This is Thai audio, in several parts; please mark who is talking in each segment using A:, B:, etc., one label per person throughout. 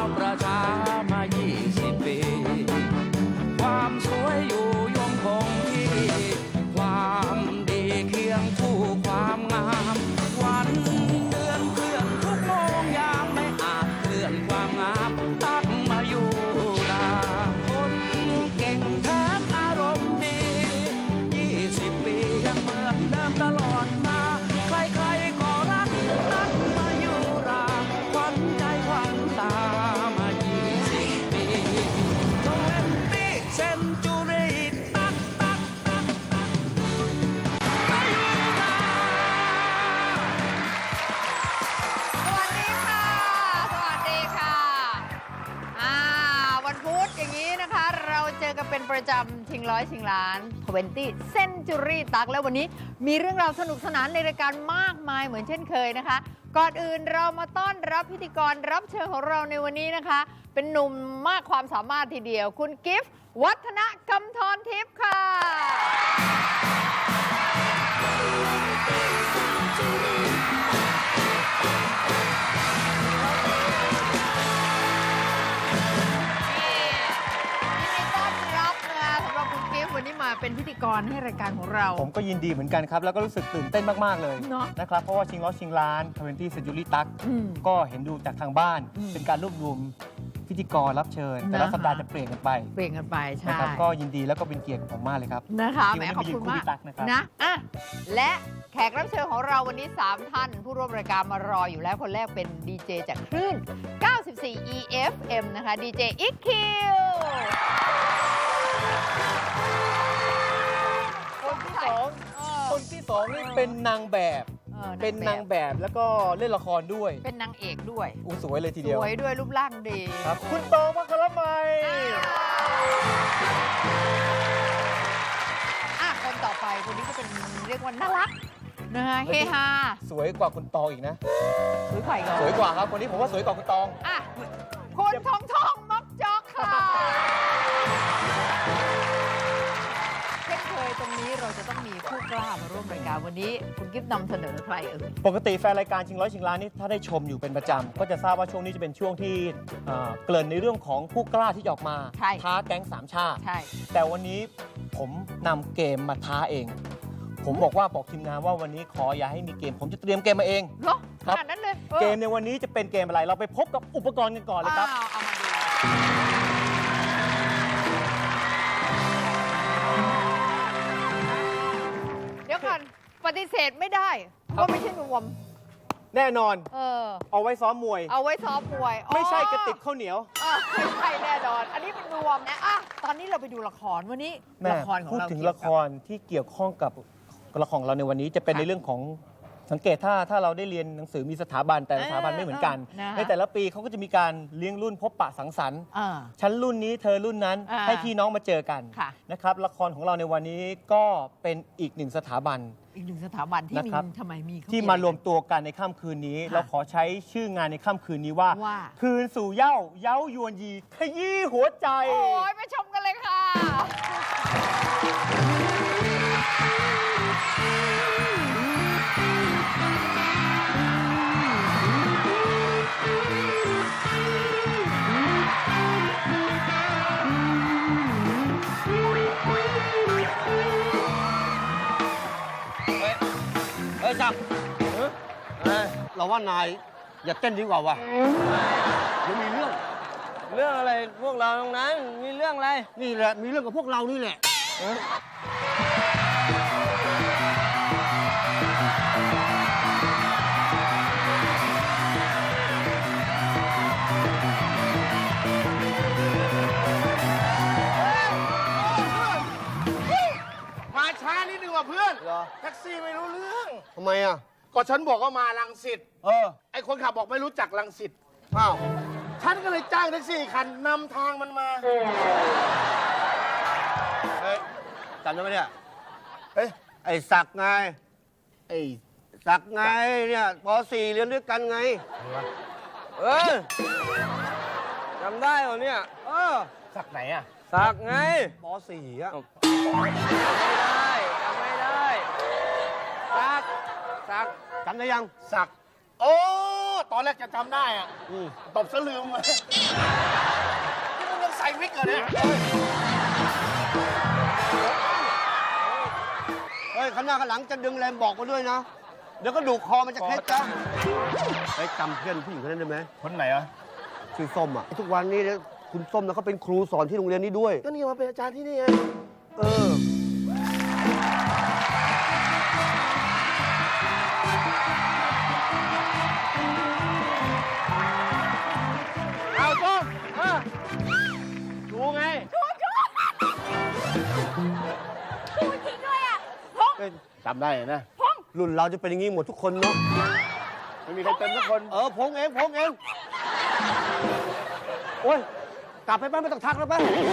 A: ประชามา20 ปีความสวยอยู่ยงคงที่ความดีเคียงคู่ความงามวันเดือนเพื่อนทุกโมงยามไม่อาจเคลื่อนความงามตักมาอยู่ราคนเก่งแท้อารมณ์ดี20 ปียังเหมือนเดิมตลอดมาใครๆก็รักตักมาอยู่ราขวัญใจขวัญตามา20 ปี20 เซนจูรี่ตักมาอยู่รา
B: สวัสดีค่ะ สวัสดีค่ะวันพุธอย่างนี้นะคะ เราเจอกันเป็นประจำชิงร้อยชิงล้าน20 Century ตักแล้ววันนี้มีเรื่องราวสนุกสนานในรายการมากมายเหมือนเช่นเคยนะคะ ก่อนอื่นเรามาต้อนรับพิธีกรรับเชิญของเราในวันนี้นะคะ เป็นหนุ่มมากความสามารถทีเดียว คุณกิฟต์วัฒนกำธรทิพย์ค่ะวันนี้มาเป็นพิธีกรให้รายการของเรา
C: ผมก็ยินดีเหมือนกันครับ แล้วก็รู้สึกตื่นเต้นมาก ๆ เลย
B: เนอะ
C: นะครับ เพราะว่าชิงล้อชิงล้าน20 Century ตักก็เห็นดูจากทางบ้าน เป็นการรวบรวมพิธีกรรับเชิญ แต่ละสัปดาห์จะเปลี่ยนกันไป
B: เปลี่ยนกันไปใช่
C: นะครับก็ยินดีแล้วก็เป็นเกียรติของผมมากเลยครับ
B: นะคะแหมขอบคุณมาก
C: ที่วันนี้มายืนคู่พี่ตั๊กนะครับ
B: นะและแขกรับเชิญของเราวันนี้ 3 ท่าน ผู้ร่วมรายการมารออยู่แล้วคนแรกเป็นดีเจจากคลื่น 94 EFM นะคะดีเจอิกคิว
C: คนที่สองนี่เป็นนางแบบ เป็นนางแบบแล้วก็เล่นละครด้วย
B: เป็นนางเอกด้วย
C: สวยเลยที
B: ส
C: เดียว
B: วยด้วยรูปร่างดี
C: ครับคุณตองมัคคารมัย
B: คนต่อไปคนนี้ก็เป็นเรียกว่าน่ารักนะคะเฮฮา
C: สวยกว่าคุณตองอีกนะ
B: สวยไข่ก่อน
C: สวยกว่าครับคนนี้ผมว่าสวยกว่าคุณตอง
B: คุณทองมักจอกค่ะเช่นเคยตรงนี้เราจะต้องมีผู้กล้ามาร่วมรายการวันนี้คุณกิฟต์นำเสนอใคร
C: ปกติแฟนรายการชิงร้อยชิงล้านนี่ถ้าได้ชมอยู่เป็นประจำก็จะทราบว่าช่วงนี้จะเป็นช่วงที่เกริ่นในเรื่องของผู้กล้าที่จะออกมาท้าแก๊งสามชาติ
B: ใช่
C: แต่วันนี้ผมนำเกมมาท้าเอง ผมบอกทีมงานว่าวันนี้ขออย่าให้มีเกม ผมจะเตรียมเกมมาเอง
B: เหรอขนาดนั้นเลย
C: เกมในวันนี้จะเป็นเกมอะไรเราไปพบกับอุปกรณ์กันก่อนเลยครับ
B: เอามาดูเดี๋ยวก่อนปฏิเสธไม่ได้ว่าไม่ใช่นวม
C: แน่นอน
B: เอา
C: ไว้ซ้อมมวย
B: เอาไว้ซ้อมมวย
C: ไม่ใช่กระติกข้าวเหนียว
B: ไม่ใช่แน่นอน อันนี้เป็นนวมนะตอนนี้เราไปดูละครวันนี้ละครของเรา
C: พูดถึงละครที่เกี่ยวข้องกับละครของเราในวันนี้จะเป็นในเรื่องของสังเกตถ้าเราได้เรียนหนังสือมีสถาบันแต่ละสถาบันไม่เหมือนกันในแต่ละปีเขาก็จะมีการเลี้ยงรุ่นพบปะสังสรรค์ชั้นรุ่นนี้เธอรุ่นนั้นให้พี่น้องมาเจอกันนะครับละครของเราในวันนี้ก็เป็นอีกหนึ่งสถาบันที่มี
B: ทำไมมี
C: ที่มารวมตัวกันในค่ำคืนนี้เราขอใช้ชื่องานในค่ำคืนนี้ว่าคืนสู่เย้ายวนยีขยี้หัวใจ
B: โอ้ยไปชมกันเลยค่ะ
D: จักเราว่านายอย่าเต้นดีกว่าวะเดี๋ยวมีเรื่องอะไรพวกเราตรงนั้นมีเรื่องอะไรนี่แหละมีเรื่องกับพวกเรานี่แหละ
E: มาช้านิดนึงว่ะเพื่อนแท็กซี่ไม่รู้เรื่อง
D: ทำไมอ่ะ
E: ก็ฉันบอกว่ามารังสิตไอคนขับบอกไม่รู้จักรังสิต
D: อ้าว
E: ฉันก็เลยจ้างแท็กซี่คันนำทางมันมา
D: เฮ้ยจำได้ไหมเนี่ยไอ้ศักดิ์ไงไอ้ศักดิ์ไงเนี่ยป .4 เรียนด้วยกันไงจำได้เหรอเนี่ย
E: ศักดิ์ไหนอ่ะ
D: ศักดิ์ไง
E: ป .4 อ่ะ
D: จำไม่ได้ศักดิ์จำได้ยัง
E: ศักดิ์โอ๊ตตอนแรกจะจำได้อะตบซะลืมเลยนี่มึงยังใส่วิกเหรอเนี่ย
D: เฮ้ยข้างหน้าข้างหลังจะดึงแรมบอกมาด้วยนะ เดี๋ยวก็ดูคอมันจะเคล็ดจ้ะเฮ้ยจำเพื่อนผู้หญิงคนนั้นได้ไหม
E: คนไหนอ่ะ
D: ชื่อส้มอ่ะทุกวันนี้เนี่ยคุณส้มนะเขาเป็นครูสอนที่โรงเรียนนี้ด้วย
E: ก็นี่มาเป็นอาจารย์ที่นี่ไง
D: เออ
E: เอาส้มดูไง จำได้นะ
D: รุ่นเราจะเป็นอย่างนี้หมดทุกคนเนาะ
E: ไม่มีใครเต็มทุกคน
D: พงเองโอ้ยกลับไปบ้านไม่ต้องทักแล้วไป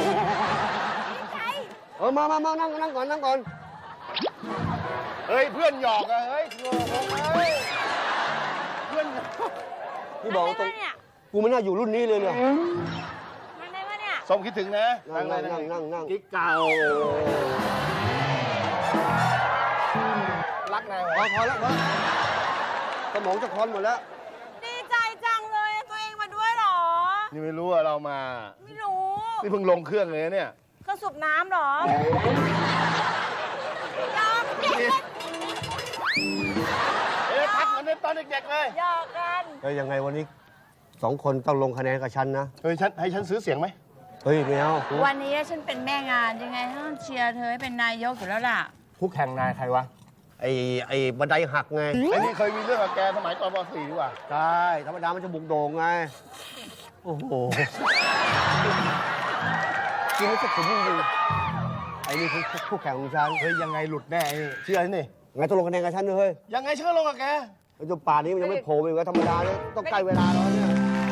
D: มานั่งก่อน
E: เฮ้ย เพื่อนหยอกอะเฮ้ยโง่เฮ้ยเพื่อน
D: นี่บอกตรงกูไม่น่าอยู่รุ่นนี้เลยเนี่ย
F: มันได้ปะเนี่ย
E: ส้มคิดถึงนะ
D: นั่ง
E: กิ๊กเก่ารักนายเหรอ
D: พอแล้วสมองจะคลอนหมดแล้ว
F: ดีใจจังเลยตัวเองมาด้วยเหรอ
E: นี่ไม่รู้ว่าเรามา
F: ไม่รู้
E: นี่เพิ่งลงเครื่องเลยนะเนี่ย
F: เครื่องสูบน้ำเหรอยอกเด็ก
E: ทักเหมือนในตอนเด็กๆเลย
F: หยอกกัน
D: เฮ้ยยังไงวันนี้2 คนต้องลงคะแนนกับฉันนะ
E: เฮ้ยให้ฉันซื้อเสียงไหม
D: เฮ้ยไม่เอา
F: วันนี้ฉันเป็นแม่งานยังไงต้องเชียร์เธอให้เป็นนายกอยู่แล้วล่ะ
E: คู่แข่งนายใครวะ
D: ไอ้บันไดหักไง
E: ไอ้นี่เคยมีเรื่องกับแกสมัยตอนป .4 ดีกว่า
D: ใช่ธรรมดามันจะบุกโด่งไง โอ้โหกินแล้วจะขมจริงๆไอ้นี่คือคู่แข่งของฉัน
E: เฮ้ยยังไงหลุดแน่ไอ้นี่เชื่อไอ้นี่
D: ไงต้องลงคะแนนกับฉันด้วยเฮ้ย
E: ยังไงฉันก็ลงกับแก
D: ไอ้เจ้าป่านี้มันยังไม่โผล่ไปอีกว่าธรรมดาเนี่ยต้องใกล้เวลาแล้วเนี่ย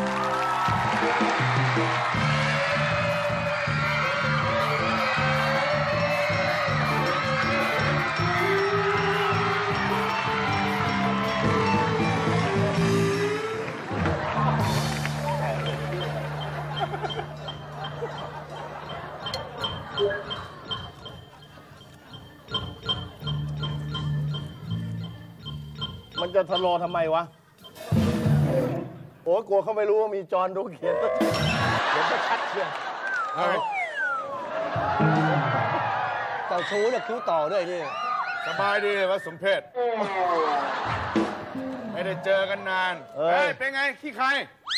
E: มันจะทะเลาะทำไมวะ โอ้ยกลัวเขาไม่รู้ว่ามีจอห์นดูเขียนเดี๋ยวจะชัดเชียว
D: เจ้าชู้เนี่ยคิ้วต่อด้วยนี่
G: สบายดีวะสมเพชไม่ได้เจอกันนาน เฮ้ย เป็นไง ขี้ใคร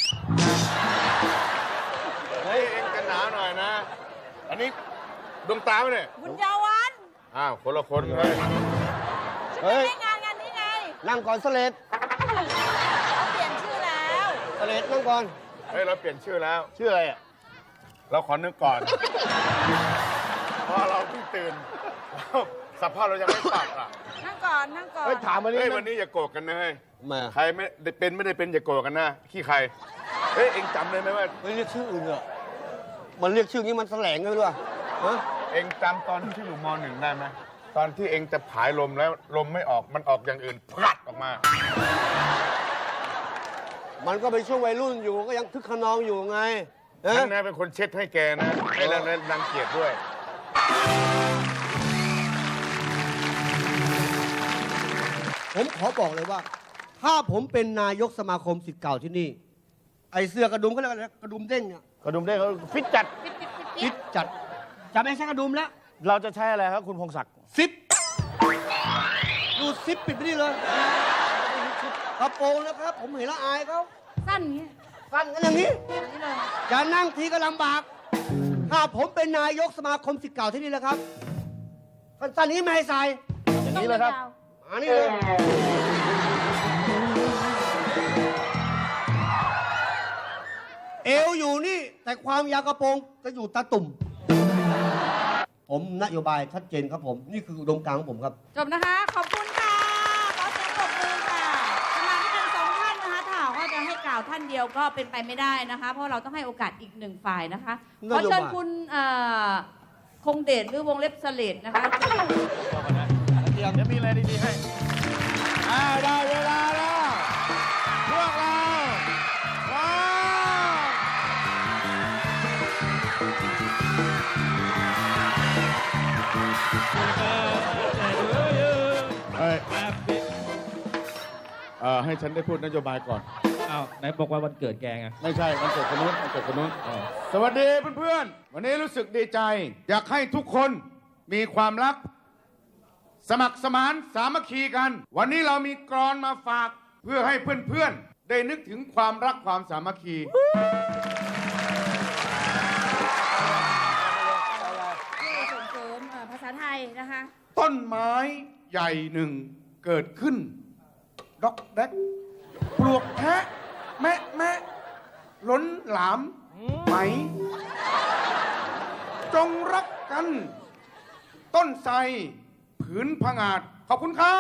G: เฮ้ย เอ็งกันหนาวหน่อยนะ อันนี้ดวงตาไหมเนี่ย
F: บุญยาวัน
G: อ้าว คนละคนเฮ้ย
F: ฉันเป็นแม่งานงานนี้ไง
D: นั่งก่อนเสลด
F: เขาเปลี่ยนชื่อแล้ว
D: เสลดนั่งก่อน
G: เฮ้ย เราเปลี่ยนชื่อแล้ว
E: ชื่ออะไรอ่ะ
G: เราขอนึกก่อน เพราะเราเพิ่งตื่นสภาพเรายังไม่ปรับอ่ะ
F: นั่งก่อนนั่งก่อน
E: เฮ้ยถามมา
G: เฮ้ย
E: นี่
G: วันนี้อย่าโกรธกันนะเฮ้ย
D: มา
G: ใครไม่ได้เป็นไม่ได้เป็นอย่าโกรธกันนะ ขี้ใคร เฮ้ย เอ็งจำได้ไหมว่า
D: เฮ้ยเรียกชื่ออื่นเหรอมันเรียกชื่อนี้มันแสลงไงไม่รู้อะฮะ
G: เอ็งจำตอนที่อยู่ม .1 ได้ไหมตอนที่เอ็งจะผายลมแล้วลมไม่ออกมันออกอย่างอื่นพลัดออกมา
D: มันก็เป็นช่วงวัยรุ่นอยู่ก็ยังคึกขนองอยู่ไงฮะ
G: ฉันนะเป็นคนเช็ดให้แกนะไอ้แล้วรังเกียจด้วย
D: ผมขอบอกเลยว่า ถ้าผมเป็นนายกสมาคมศิษย์เก่าที่นี่ ไอเสื้อกระดุมเขาเรียกอะไรนะกระดุมเด้งเนี่ย
E: กระดุมได้เขาฟิตจัด
D: คิดจัดจะไม่ใช่กระดุมแล้ว
E: เราจะใช้อะไรครับคุณพงศักดิ์
D: ซิปดูซิปปิดไปนี่เลยกระโปรงนะครับ ผมเห็นแล้วอายเขา
F: สั้นอย่างเงี้ย
D: สั้นกันอย่างนี้
F: อย่างนี้เลย
D: จะนั่งทีก็ลำบาก ถ้าผมเป็นนายกสมาคมศิษย์เก่าที่นี่แหละครับสั้นๆนี้ไม่ให้ใส่
E: อย่างนี้เลยครับ
D: อันนี้เลยเอวอยู่นี่ แต่ความยาวกระโปรงจะอยู่ตาตุ่ม ผมนโยบายชัดเจนครับผม นี่คืออุดมการณ์ของผมครับ
F: จบนะคะ ขอบคุณค่ะขอเสียงปรบมือค่ะสมาชิกทั้งสองท่านนะคะถ้าหากว่าจะให้กล่าวท่านเดียวก็เป็นไปไม่ได้นะคะ เพราะเราต้องให้โอกาสอีกหนึ่งฝ่ายนะคะ
D: นโยบาย
F: ขอเชิญคุณคงเดชหรือวงเล็บสเลดนะคะ
E: เดี๋ยวมีอะไรดีๆให้
G: ได้เวลาแล้ว พวกเราว้าวให้ฉันได้พูดนโยบายก่อน
H: อ้าวไหนบอกว่าวันเกิดแกไง
G: ไม่ใช่มันเกิดคนนู้นมันเกิดคนนู้นสวัสดีเพื่อนๆ วันนี้รู้สึกดีใจ อยากให้ทุกคนมีความรัก สมัครสมานสามัคคีกัน วันนี้เรามีกลอนมาฝากเพื่อให้เพื่อนๆ ได้นึกถึงความรักความสามัคคี
F: ส่งเสริมภาษาไทยนะคะ
G: ต้นไม้ใหญ่หนึ่งเกิดขึ้นดอกแดกปลวกแทะแมะแมะล้นหลามไหม จงรักกัน ต้นไทรผืนผงาด ขอบคุณครับ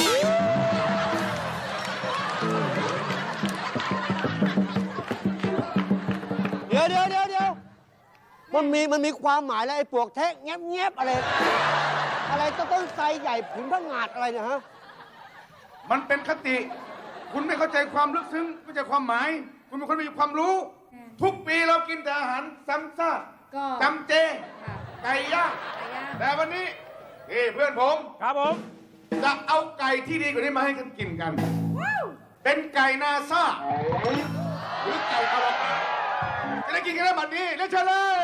D: เดี๋ยวมันมีความหมายแล้วไอ้ปลวกแทะแงบอะไร อะไรต้นไทรใหญ่ผืนผงาดอะไรเนี่ยฮะ
G: มันเป็นคติ คุณไม่เข้าใจความลึกซึ้งไม่เข้าใจความหมาย คุณเป็นคนไม่มีความรู้ ทุกปีเรากินแต่อาหารซ้ำซาก
F: ก็
G: จำเจ ไก่ย่าง แต่วันนี้เพื่อนผม
C: ครับผม
G: จะเอาไก่ที่ดีกว่านี้มาให้กันกินกัน เป็นไก่นาซาหรือไก่อวกาศจะได้กินกันแล้วบัดนี้เล่นเชิญเลย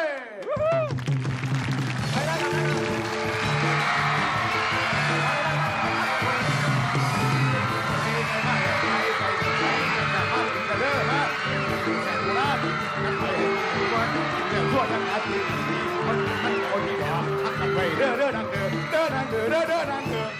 G: ทั่วทั้งอาทิตย์มันคนมีความทักกันไปเด้อดังเด้อดังเด้อดังเด้อ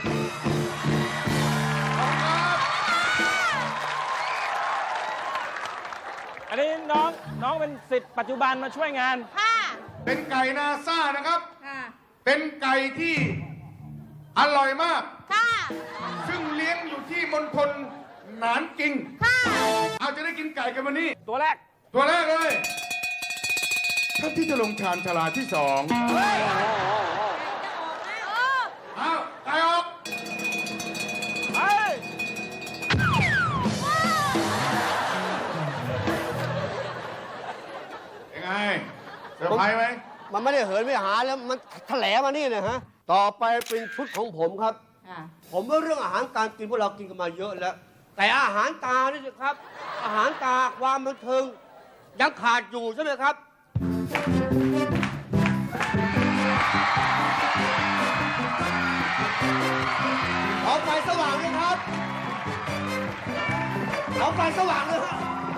C: อันนี้น้องเป็นสิทธิ์ปัจจุบันมาช่วยงาน
F: ค่ะ
G: เป็นไก่นาซ่านะครับ
F: ค่ะ
G: เป็นไก่ที่อร่อยมาก
F: ค่ะ
G: ซึ่งเลี้ยงอยู่ที่มณฑลหนานกิง
F: ค่ะ
G: เอาจะได้กินไก่กันวันนี้
C: ตัวแรก
G: ตัวแรกเลยท่านที่จะลงชานชาลาที่สองเอาไก่ออกยังไงเซอร์ไพรส์ไหม
D: มันไม่ได้เหินไม่หาแล้วมันแถลงมานี่เนี่ยฮะ ต่อไปเป็นชุดของผมครับ
F: ค่ะ
D: ผมว่าเรื่องอาหารการกินพวกเรากินกันมาเยอะแล้ว แต่อาหารตานี่สิครับ อาหารตาความบันเทิงยังขาดอยู่ใช่ไหมครับ เอาไฟสว่างเลยครับ เอาไฟสว่างเลยครับ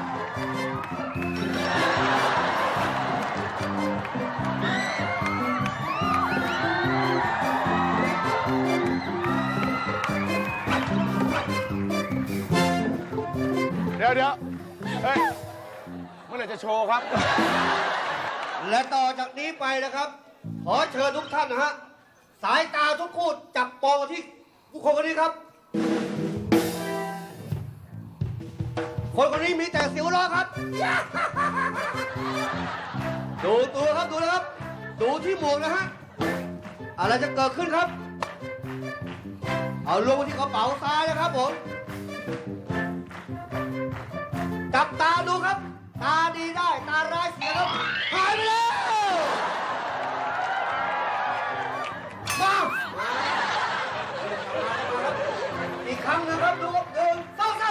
G: เดี๋ยวเฮ้ยเมื่อไหร่จะโชว์ครับ
D: และต่อจากนี้ไปนะครับ ขอเชิญทุกท่านนะฮะ สายตาทุกคู่จับมองมาที่ผู้คนคนนี้ครับ คนคนนี้มีแต่เสียวล้อครับ ดูตัวครับ ดูนะครับ ดูที่หมวกนะฮะ อะไรจะเกิดขึ้นครับ เอาลงมาที่กระเป๋าซ้ายนะครับผม จับตาดูครับ ตาดีได้ตาร้ายเสียครับหายไปแล้วมาอีกครั้งนะครับดูครับเดินเศร้า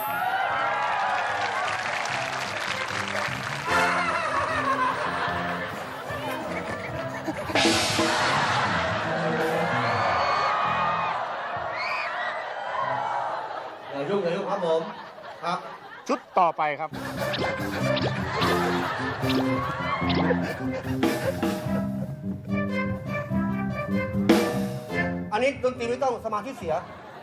D: อย่ายุ่งครับผมครับ
G: ชุดต่อไปครับ
D: อันนี้ดนตรีไม่ต้องสมาธิเสีย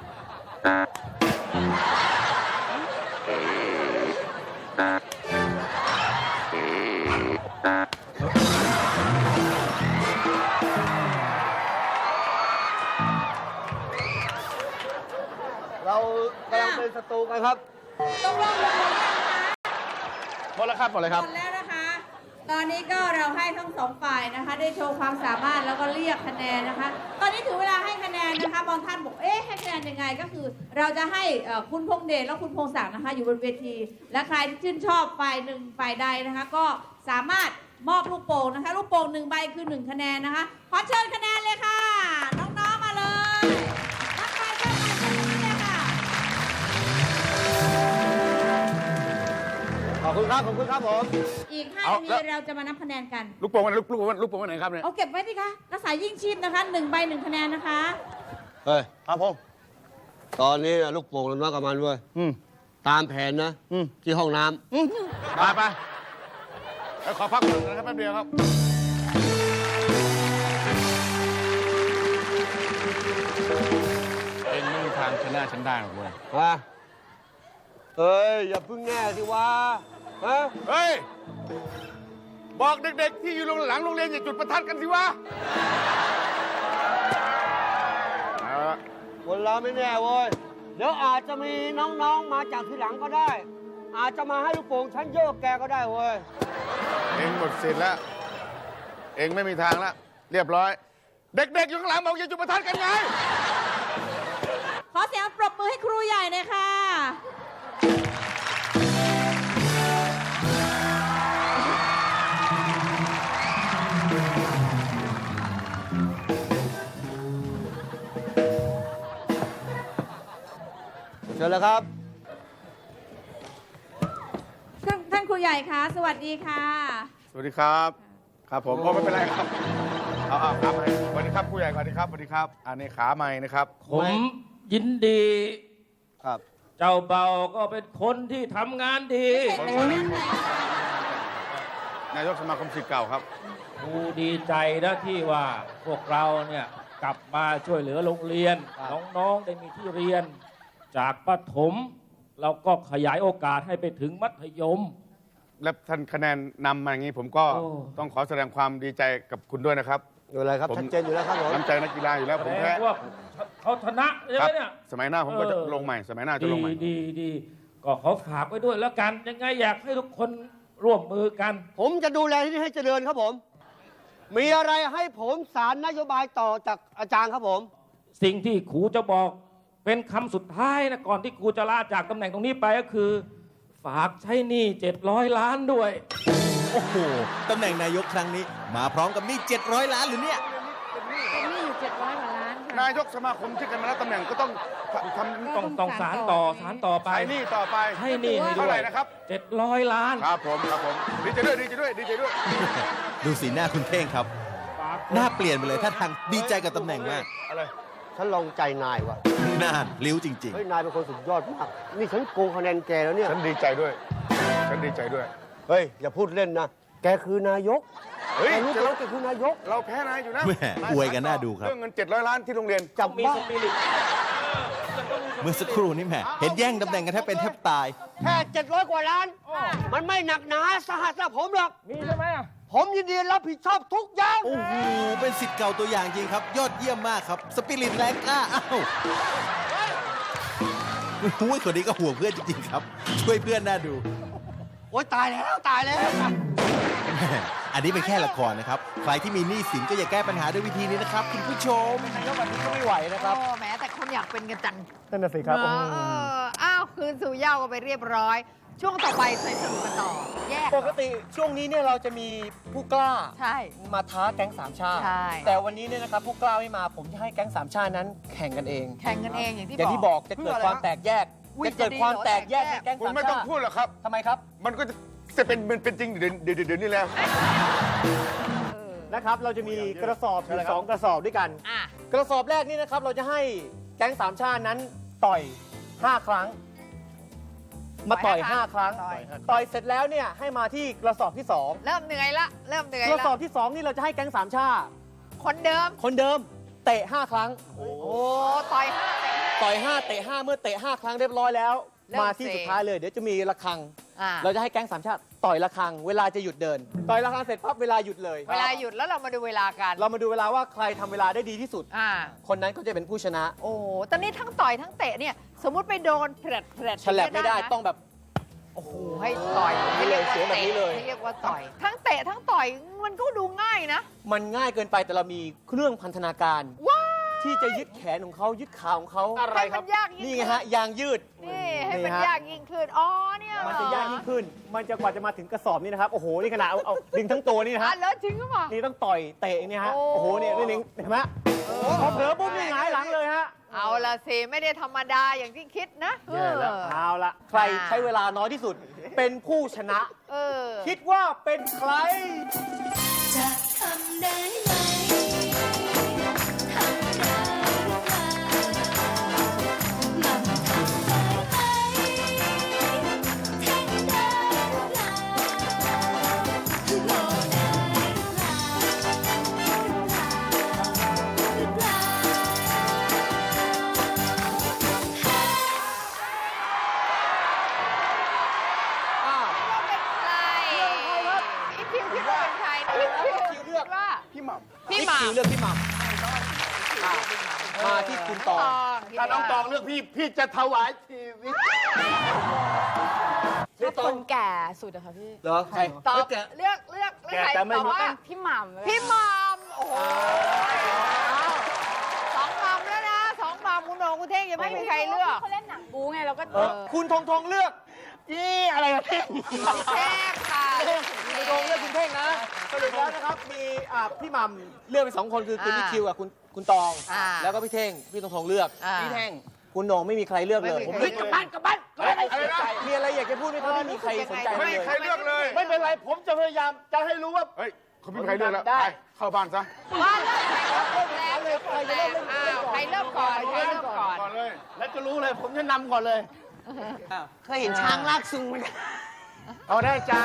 D: เรากำลังเป็นศัตรูกันครับ
F: ต้องลงลงยังคะ
G: หมดแล้วครับหมดเลยครับ
F: หมดแล้วนะคะ ตอนนี้ก็เราให้ทั้งสองฝ่ายนะคะ ได้โชว์ความสามารถแล้วก็เรียกคะแนนนะคะ ตอนนี้ถึงเวลาให้คะแนนนะคะบางท่านบอกให้คะแนนยังไงก็คือ เราจะให้คุณพงษ์เดชและคุณพงษ์ศักดิ์นะคะ อยู่บนเวที และใครที่ชื่นชอบฝ่ายหนึ่งฝ่ายใดนะคะ ก็สามารถมอบลูกโป่งนะคะ ลูกโป่ง1 ใบคือ1 คะแนนนะคะขอเชิญคะแนนเลยค่ะ น้องๆมาเลยทักทายเจ้าหน้าที่เลยค่ะ
D: คุณครับขอบคุณครับผม
F: อีก
G: เอา
F: 5 นาที
G: แล้ว
F: เราจะมานับคะแนนกัน
G: ลูกโป่งวันไหนครับเนี่ย
F: เอาเก็บไว้สิคะรักษายิ่งชีพนะคะ1 ใบ 1 คะแนนนะคะ
D: เฮ้ย
E: ครับผม
D: ตอนนี้ลูกโป่งเราน้อยกับมันเว้ย
E: อืม
D: ตามแผนนะ ที่ห้องน้ำ
G: ไปแล้วขอพักก่อนนะครับแป๊บเดียวครับ เองไม่มีทางชนะฉันได้หรอกเว้ย
D: ฮะเฮ้ย อย่าเพึ่งแน่สิวะฮะ
G: เฮ้ย บอกเด็กๆ ที่อยู่หลังโรงเรียนอย่าจุดประทัดกันสิวะเอาละ
D: คนเราไม่แน่เว้ย เดี๋ยวอาจจะมีน้องๆมาจากทีหลังก็ได้ อาจจะมาให้ลูกโป่งฉันโยกแกก็ได้เว้ย
G: เองหมดสิทธิ์แล้ว เองไม่มีทางแล้ว เรียบร้อย เด็กๆ อยู่ข้างหลังบอกอย่าจุดประทัดกันไง
F: ขอเสียงปรบมือให้ครูใหญ่หน่อยค่ะ
D: เชิญเลยครับ
F: ท่านครูใหญ่คะสวัสดีค่ะ
G: สวัสดีครับ ครับผมก็ไม่เป็นไรครับ เอาขาใหม่สวัสดีครับผู้ใหญ่สวัสดีครับสวัสดีครับ อันนี้ขาใหม่นะครับ
H: ผมยินดี
D: ครับ
H: เจ้าเบาก็เป็นคนที่ทำงานดี
G: นายกสมาคมศิษย์เก่าครับ
H: กูดีใจนะที่ว่าพวกเราเนี่ยกลับมาช่วยเหลือโรงเรียน น้องๆได้มีที่เรียน จากประถม เราก็ขยายโอกาสให้ไปถึงมัธยม
G: และท่านคะแนนนำมาอย่างนี้ผมก็
H: โอ้
G: ต้องขอแสดงความดีใจกับคุณด้วยนะครับ
D: อยู่อะไรครับ
G: ผม
D: ชัดเจนอยู่แล้วครับผม
G: น้ำใจนักกีฬาอยู่แล้ว
H: แส
G: ผม
H: ด
G: แพ้
H: งว่าเขาชนะใช่
G: ค
H: ไหม
G: รับ
H: เนี่ย
G: สมัยหน้าผมก็จะลงใหม่ สมัยหน้าจะลงใหม่
H: ดีก็ขอฝากไว้ด้วยแล้วกัน ยังไงอยากให้ทุกคนร่วมมือกัน
D: ผมจะดูแลที่นี่ให้เจริญครับผม มีอะไรให้ผมสารนโยบายต่อจากอาจารย์ครับผม
H: สิ่งที่ครูจะบอกเป็นคำสุดท้ายนะก่อนที่ครูจะลาจากตำแหน่งตรงนี้ไปก็คือ ฝากใช้หนี้700 ล้านด้วย
I: โอ้โห ตำแหน่งนายกครั้งนี้ มาพร้อมกับหนี้700 ล้านหรือเนี่ย
F: เป็นหนี้อยู่700 กว่าล้านค่ะ
G: นายกสมาคมที่กันมาแล้วตำแหน่งก็ต้องทำ
H: ต้องสารต่อไป
G: ใช้หนี้ต่อไป
H: ให้หนี้ให้ด้
G: เท่า
H: วย
G: ไหร่นะครับ
H: 700 ล้าน
G: ครับผมดีใจด้วยดีใจด้วยดีใจด้วย
I: ดูสีหน้าคุณเท่งครับ หน้าเปลี่ยนไปเลยท่าทางดีใจกับตำแหน่งมาก
G: อะไร
D: ฉันลองใจนายว่ะ
I: น่านลิ้วจริง
D: เฮ้ย นายเป็นคนสุดยอดมาก นี่ฉันโกงคะแนนแกแล้วเนี่ย
G: ฉันดีใจด้วย ฉันดีใจด้วย
D: เฮ้ย อย่าพูดเล่นนะ แกคือนายก
G: เฮ้ย
D: แกรู้ตัวแกคือนายก
G: เราแพ้นายอยู่นะ
I: แหม่อวยกันน่าดูครับ
G: เรื่องเงิน700 ล้านที่โรงเรียน
D: จับ
H: มี
D: บ้า
H: สปิริต
I: ๆ เมื่อสักครู่นี้แหมเห็นแย่งตำแหน่งกันแทบเป็นแทบตาย
D: แค่700 กว่าล้าน มันไม่หนักหนาสาหัสสำหรับผมหรอก
H: มีใช่ไหมอ่ะ
D: ผมยินดีรับผิดชอบทุกอย่าง
I: โอ้โห เป็นสิทธิ์เก่าตัวอย่างจริงครับ ยอดเยี่ยมมากครับ สปิริตแรงกล้า อ้าวหุ้ยคนนี้ก็ห่วงเพื่อนจริงๆครับ ช่วยเพื่อนน่าดู
D: โอ๊ย ตายแล้ว ตายแล้ว
I: แหม่อันนี้เป็นแค่ละครนะครับ ใครที่มีหนี้สินก็อย่าแก้ปัญหาด้วยวิธีนี้นะครับคุณผู้ชม
C: นายกแบบนี้ก็ไม่ไหวนะครับ
B: โอ้แหม้แต่คนอยากเป็นกันจัง
C: นั่นน่ะสิครับ
B: อ้าวคืนสู่เหย้ากันไปเรียบร้อย ช่วงต่อไปใส่สนุกกันต่อ แยก
C: ปกติช่วงนี้เนี่ยเราจะมีผู้กล้า
B: ใช่
C: มาท้าแก๊งสามชาติ
B: ใช่
C: แต่วันนี้เนี่ยนะครับผู้กล้าไม่มาผมจะให้แก๊งสามชาตินั้นแข่งกันเอง
B: แข่งกันเองอย่างที่
C: อย่างที่บอกจะเกิดความแตกแยก
B: อุ๊ย
C: จะเกิดความแตกแยกในแก๊ง
G: คุณ
C: สาม
G: ไม่ต้อง
C: ชาติ
G: พูดหรอกครับ
C: ทำไมครับ
G: มันก็จะเป็นจริงเดี๋ยวนี้แล้ว
C: นะครับ เราจะมีกระสอบอยู่สองกระสอบด้วยกัน
B: อ่ะ
C: กระสอบแรกนี่นะครับเราจะให้แก๊งสามชาตินั้นต่อย 5 ครั้ง มาต่อย 5 ครั้ง ต่อยเสร็จแล้วเนี่ยให้มาที่กระสอบที่ 2
B: เริ่มเหนื่อยละ เริ่มเหนื่อย
C: กระ
B: ละ
C: สอบที่ 2 นี่เราจะให้แก๊งสามชาติ
B: คนเดิม
C: คนเดิมเตะ 5 ครั้ง
B: โอ้ต่อยห้าเตะ
C: ต่อย 5 เตะ 5 เมื่อเตะ 5 ครั้งเรียบร้อยแล้ว
B: เริ่ม
C: มาที่
B: เซ
C: สุดท้ายเลยเดี๋ยวจะมีระฆัง
B: อ่ะ
C: เราจะให้แก๊งสามชาติต่อยระฆัง เวลาจะหยุดเดิน ต่อยระฆังเสร็จปั๊บเวลาหยุดเลย
B: เวลาหยุดแล้วเรามาดูเวลากัน
C: เรามาดูเวลาว่าใครทำเวลาได้ดีที่สุด
B: อ่า
C: คนนั้นก็จะเป็นผู้ชนะ
B: โอ้ตอนนี้ทั้งต่อยทั้งเตะเนี่ย สมมุติไปโดนแผลด
C: ฉลับไม่ได้
B: นะ
C: ต้องแบบ
B: โอ้โหให้ต่อย
C: ให้เร็วเสียแบบนี้เลย
B: ให้เรียกว่าต่อย ทั้งเตะทั้งต่อยมันก็ดูง่ายนะ
C: มันง่ายเกินไปแต่เรามีเครื่องพันธนาการ
B: ว้า
C: ที่จะยึดแขนของเขายึดขาของเขา
B: ให้มันยากยิ่ง
C: นี่ไงฮะยางยืด
B: นี่ให้มัน
C: นี่ฮะ
B: ยากยิ่งขึ้น อ๋อเนี่ย
C: มันจะยากยิ่งขึ้น มันจะกว่าจะมาถึงกระสอบนี่นะครับ โอ้โห นี่ขนาดเอาดึงทั้งตัวนี่นะ
B: อ่ะ
C: ฮะ
B: แล้วจริงหรือเปล่า
C: นี่ต้องต่อยเตะเนี่ยฮะ
B: โอ้
C: โอ้โห เนี่ยนี่เห็นไหมพอเผลอปุ๊บนี่หงายหลังเลยฮะ
B: เอาละสิไม่ได้ธรรมดาอย่างที่คิดนะ
C: แย่แล้วเอาละใครใช้เวลาน้อยที่สุดเป็นผู้ชนะ คิดว่าเป็นใคร
J: จะทำได้ไหมทำได้หรือเปล่ามันทำได้ไหมเทคได้หรือเปล่าโมได้หรือเปล่า
B: อีคิวคิดว่าเป็นใคร
C: คิวเลือก
B: ว่า
E: พี่หม่
B: พี่หม่
C: คิวเลือกพี่หม่ำมาที่คุณตอง
E: ำถ้าน้องตองเลือกพี่ พี่จะถวายชีวิต
K: ชอบคนแก่สุดอะค่ะพี่
C: เหรอใคร
B: ตอบ
C: แก
B: เลือกใคร
E: แต่ไม่
B: ตอบ
E: รู้
B: ว่า
K: พี่หม่ำเลย
B: พี่หม่ำโอ้โหสองหม่ำแล้วนะสองหม่ำคุณโหน่งคุณเท่งยังไม่มีใครเลือก
K: เขาเล่นหนังบู๊ไงเราก็
C: คุณทงเลือก
E: อะไรกันเนี่ย
B: แท่งค่ะ
C: คุณทงเลือกคุณเท่งนะสรุปแล้วนะครับมีพี่หม่ำเลือกไป2 คนคือคุณนิคิวกับคุณตอง แล้วก็พี่เท่งพี่ทงเลือก
B: พี่เท่ง
C: คุณโหน่งไม่มีใครเลือกเลย
E: ผมเลือกกลับบ้านอะไรนะ
C: มีอะไรอยากจะพูดไหมครับไม่มีใครสนใจ
G: ไม่
C: เล
G: มี
C: ย
G: ใครเลือกเลย
E: ไม่เป็นไร ผมจะพยายามจะให้รู้ว่า
G: เฮ้ยเขาไม่มีใครเลือกแล้ว
E: ได้
G: ไปเข้าบ้านซะ
B: ว่าเริ่มใครเริ่มแล้วเดี๋ยวคนแรกใครเริ่มก่อนใครเริ่มก่อน
G: ก่อนเลย
E: แล้วจะรู้เลย ผมจะนำก่อนเลย
D: เคยเห็นช้างลากซุงไหม
E: เอาได้จ้า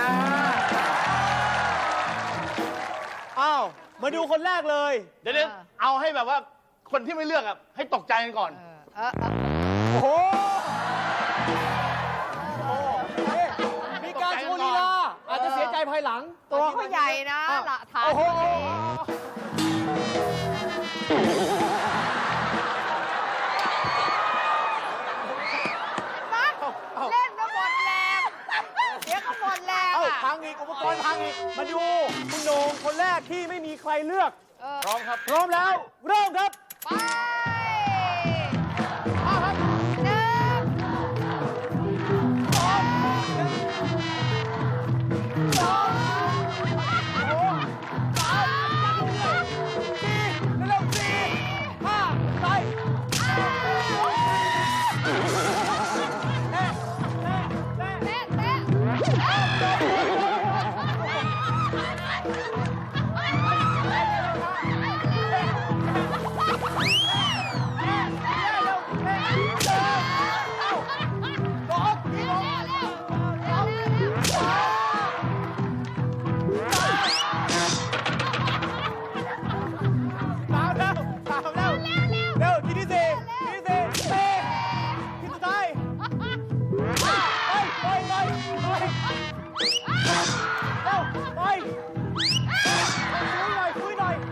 C: อ้าวมาดูคนแรกเลย
E: เดี๋ยวเอาให้แบบว่าคนที่ไม่เลือกอ่ะให้ตกใจกันก่อน
C: โอ้โหมีการโชว์ลีลาอาจจะเสียใจภายหลัง
B: ตัวเขาใหญ่นะละฐาน
C: โอ้โห
B: เล่นก็หมดแรงเดี๋ยวก็หมดแรง
C: เอ้า
B: อ่ะ
C: พังอีกอุปกรณ์พังอีก มาดูคุณโหน่งคนแรกที่ไม่มีใครเลือก พร้อมครับ พร้อมแล้ว เริ่มครับ
B: ไปเอาครับหนึ่งสองสองโอ้สามสี่เร็วสี่ห้าไปเตะเตะ
C: สามแล้วเร็วทีที่สี่สี่ที่สุดท้ายไปเร็วไปคุยหน่อย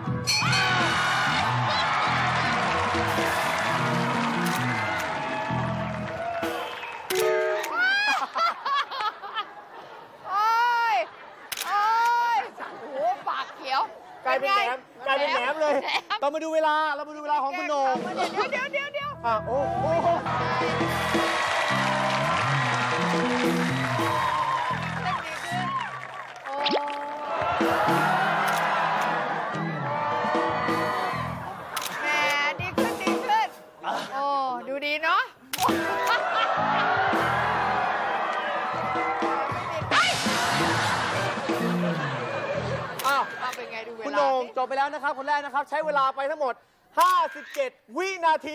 B: โอ้ยโอ้ยโอ้โหปากเขียว
C: กลายเป็นแหนมเลย เรามาดูเวลาของคุณโหน่ง
B: เดี๋ยว
C: โอ้โห
B: เล่นดีขึ้นโอ้แหมดีขึ้นโอ้ดูดีเนาะเป็นไงดูเวลา
C: คุณโหน่งจบไปแล้วนะครับ คนแรกนะครับ ใช้เวลาไปทั้งหมด 57 วินาที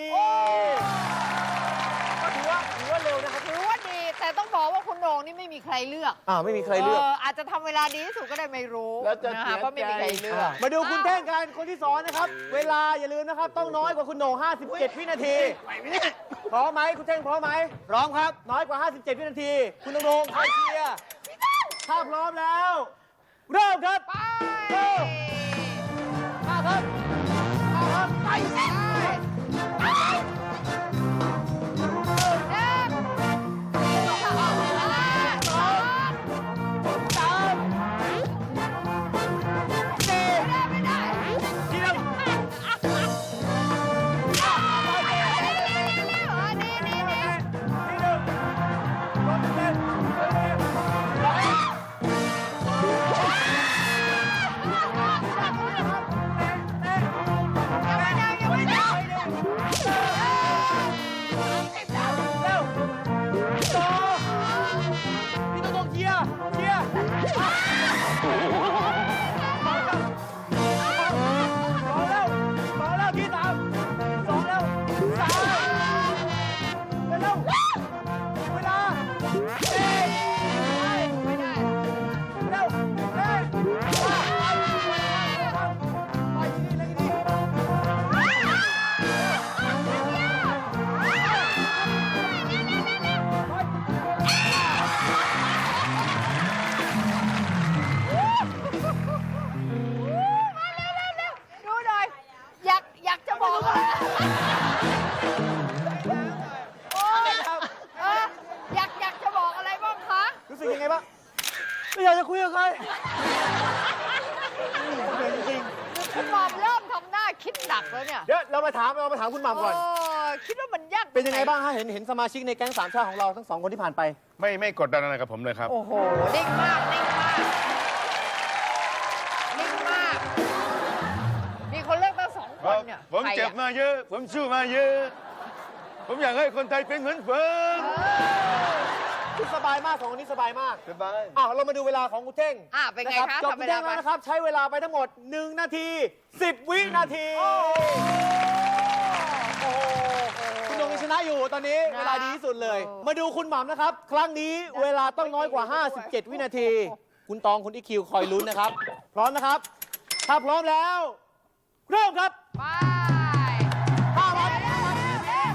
C: ก็ถือว่าเร็วนะครับ
B: ถือว่าดีแต่ต้องบอกว่าคุณโหน่งนี่ไม่มีใครเลือก
C: ไม่มีใครเลือก
B: อาจจะทำเวลาดีที่สุดก็ได้ไม่รู้
E: แล้วจะ
B: นะ
E: เสี
B: คะ
E: ย
B: เพราะไม่มีใครเลือก
C: มาดูคุณเท่งกันคนที่สองนะครับ เวลาอย่าลืมนะครับ ต้องน้อยกว่าคุณโหน่ง57 วินาที พร้อมไหมคุณเท่งพร้อมไหมพร้อมครับ น้อยกว่า 57 วินาที คุณโหน่งคอยเชียร์ถ้าพร้อมแล้ว เริ่มครับ
B: ไป
C: มาครับไป
B: ยังไม่ได้
C: 2 แล้วที่ 3 2 แล้ว 3 เร็วเวลาไม่ได้เร็วไปที่นี่เลย
B: ดูหน่อย อยากจะบอกอะไรโอ้ยอยากจะบอกอะไรบ้างคะ
C: รู้สึกยังไงบ้างไม่อยากจะคุยกับใครเหนื่อยจริง
B: คุณหม่อมเริ่มทำหน้าคิดหนักแล้วเนี่ย
C: ๆเดี๋ยวเรามาถามคุณหม่ำก่อน
B: คิดว่ามันยาก
C: เป็นยังไงบ้างฮะเห็นสมาชิกในแก๊งสามชาติของเราทั้ง 2 คนที่ผ่านไป
E: ไม่กดดันอะไรกับผมเลยครับ
B: โอ้โหนิ่งมากนิ่งมากนิ่งมาก มีคนเลือกตั้ง2 คนเนี่ย
E: ผม
B: ใครอะ
E: เจ็บมาเยอะ ผมสู้มาเยอะ ผมอยากให้คนไทยเป็นเหมือนผม
C: คุณสบายมาก2 คนนี้สบายมาก
E: สบาย
C: เรามาดูเวลาของคุณเท่ง
B: เป็นไง
C: นะ
B: คะ
C: จบ
B: ทำ
C: คุ
B: เว
C: ณ
B: ลา
C: เท่ง
B: ไป
C: แล้วนะครับ ใช้เวลาไปทั้งหมด 1 นาที 10 วินาที โอ้โหคุณโดงยังชนะอยู่ตอนนี้เวลาดีที่สุดเลย มาดูคุณหม่ำนะครับ ครั้งนี้เวลาต้องน้อยกว่า 57 วินาที คุณตองคุณอีคิวคอยลุ้นนะครับ พร้อมนะครับ ถ้าพร้อมแล้ว เริ่มครับ
B: ไป
C: ห้าพัน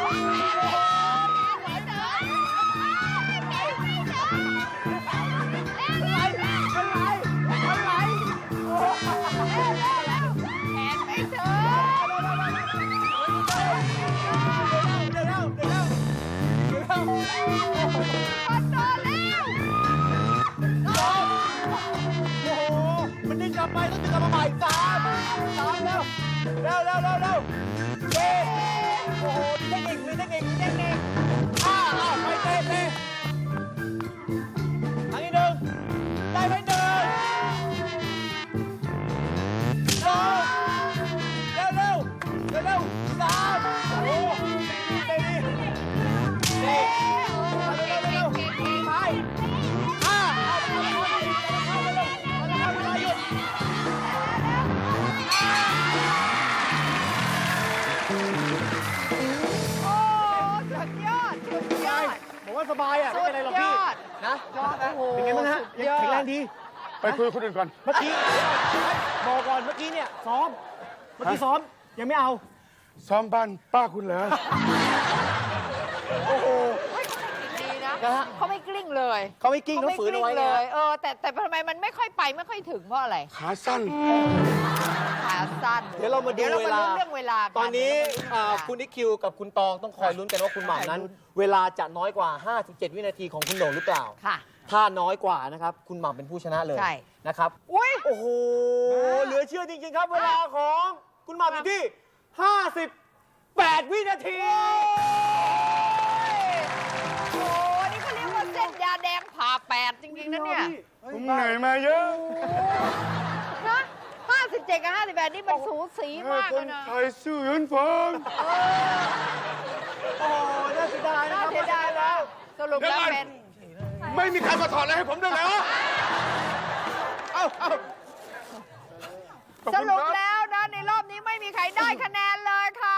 C: มันดึงกลับไปต้องดึงกลับมาใหม่3แล้วเร็วเย้โอ้โหมีเทคนิคไปเต้ครั้งที่ 1ได้ไป1 2เร็ว3โอ้โหเต้ดีเร็วไปผมว่าสบายไม่เป็นไรหรอกพี่นะเป็นไงบ้างฮะแข็งแรงดี
E: ไปคุยกับคนอื่นก่อน
C: เมื่อกี้บอกก่อนเมื่อกี้เนี่ยซ้อมยังไม่เอา
E: ซ้อมบ้านป้าคุณเหรอ
C: โอ้โห
B: ดีนะ
C: นะฮะ
B: เขาไม่กลิ้งเลย
C: เขาไม่กิ้งเขาฝืนเอาไว้
B: เล
C: เลย
B: ยแต่ทำไมมันไม่ค่อยไปไม่ค่อยถึงเพราะอะไร
E: ขาสั้น
B: ขาสั้น
C: เดี๋ยวเรามาดูเวลา
B: เรื่องเวลากั
C: ตอนนี้
B: เดี๋ยวเรามาดูเรื่องเวลา
C: คุณนิคิวกับคุณตองต้องคอยลุ้นกันว่าคุณหม่ำนั้น เวลาจะน้อยกว่า 57 วินาทีของคุณโหน่งหรือเปล่า
B: ค่ะ
C: ถ้าน้อยกว่านะครับ คุณหม่ำเป็นผู้ชนะเลย
B: ใช่
C: นะครับ
B: อุ้ย
C: โอ้โห เหลือเชื่อจริงๆครับ เวลาของคุณหม่ำอยู่ที่ 58 วินาที
B: โอ้นี่เขาเรียกว่าเส้นยาแดงผ่า8จริงๆนะเนี่ย
E: ผมเหนื่อยมาเยอะ
B: นะ57 กับ 58 นี่มันสูสีมาก
E: ค
B: เล
E: น
B: ยนะ
E: ไทยสู้เหมือนผม
C: โอ้โหน่าเสียดายนะ
B: น่า
C: ครับ
B: เสียดายแล้ว สรุปแล้วเป็น
E: ไม่มีใครมาถอดอะไรให้ผมด้วยเลยวะเอ้าขอบ
B: ส
E: คุณ
B: รุป
E: ครับ
B: แล้วนะในรอบนี้ไม่มีใครได้คะแนนเลยค่ะ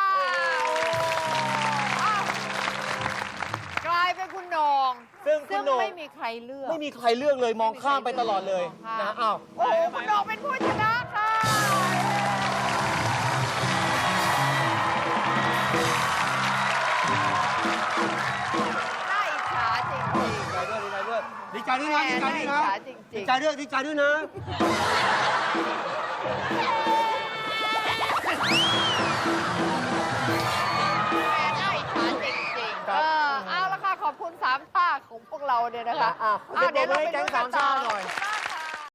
B: อ้าวกลายเป็นคุณโหน่ง
C: ซึ่งคุ
B: ซึ่
C: ณ
B: ง
C: โหน่ง
B: ไม่มีใครเลือก
C: ไม่มีใครเลือกเลยมองข้ามไปตลอดเลยนะอ้าว
B: โอ้โหคุณโหน่งเป็นผู้ชนะค่ะน่าอิจฉาจริงๆ
D: ดีใจด้วยนะ ดีใจด้วยนะ
B: น่าอิจฉาจริงๆ
D: ดีใจด้วย ดีใจด้วยนะ
B: น่าอิจฉาจริงๆเอาละค่ะ ขอบคุณ3 ท่าของพวกเราเนี่ยนะคะ
C: เดี๋ยวเราไปดูแก๊งสามชาติหน่อย
B: ขอบคุณมาก